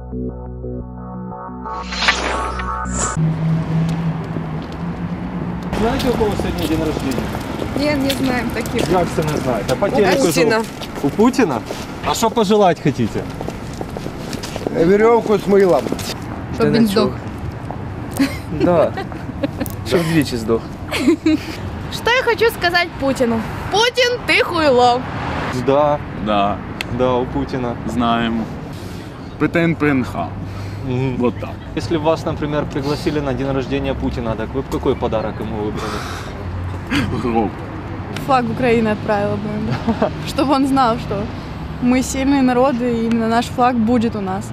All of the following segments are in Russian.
Знаете, у кого сегодня день рождения? Нет, не знаем таких. Как це не знаєте? А по телеку Путіна. У Путина? А что пожелать хотите? Веревку с мылом. Щоб він здох. Да. Щоб двічі здох. Что я хочу сказать Путину? Путин, ты хуйло. Да, Да, да, у Путина. знаем. ПТН ПНХ. Вот так. Если вас, например, пригласили на день рождения Путина, так вы бы какой подарок ему выбрали? Гроб. Флаг Украины отправила бы ему, чтобы он знал, что мы сильные народы, и именно наш флаг будет у нас.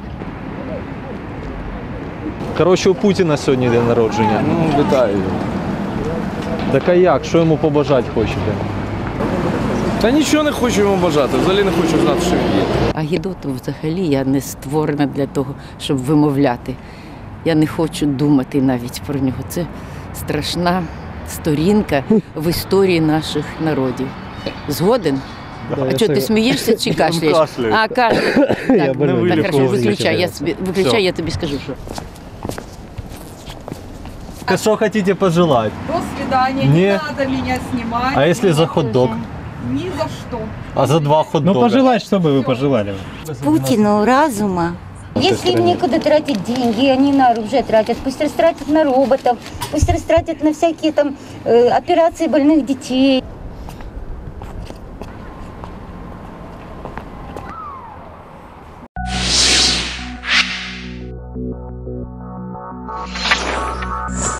Короче, у Путина сьогодні день народження. Ну, вітаю його. Так а як? Що йому побажати хочете? Та нічого не хочу йому бажати, взагалі не хочу знати, що він є. А гідоту взагалі я не створена для того, щоб вимовляти. Я не хочу думати навіть про нього. Це страшна сторінка в історії наших народів. Згоден? Да, А що, ти смієшся чи кашляєш? кашляю. А, кашляєш. Я Так, больной. так, хорошо, Вилікував виключай, звичайно. виключай, я тобі скажу, що. Что хотите пожелать? До свидания, Не. не надо меня снимать. А если за хот-дог? Ни за что. А за 2 хот-дога? Ну, пожелать, что бы вы пожелали? Путину разума. Если им некуда тратить деньги, они на оружие тратят, пусть растратят на роботов, пусть растратят на всякие там операции больных детей.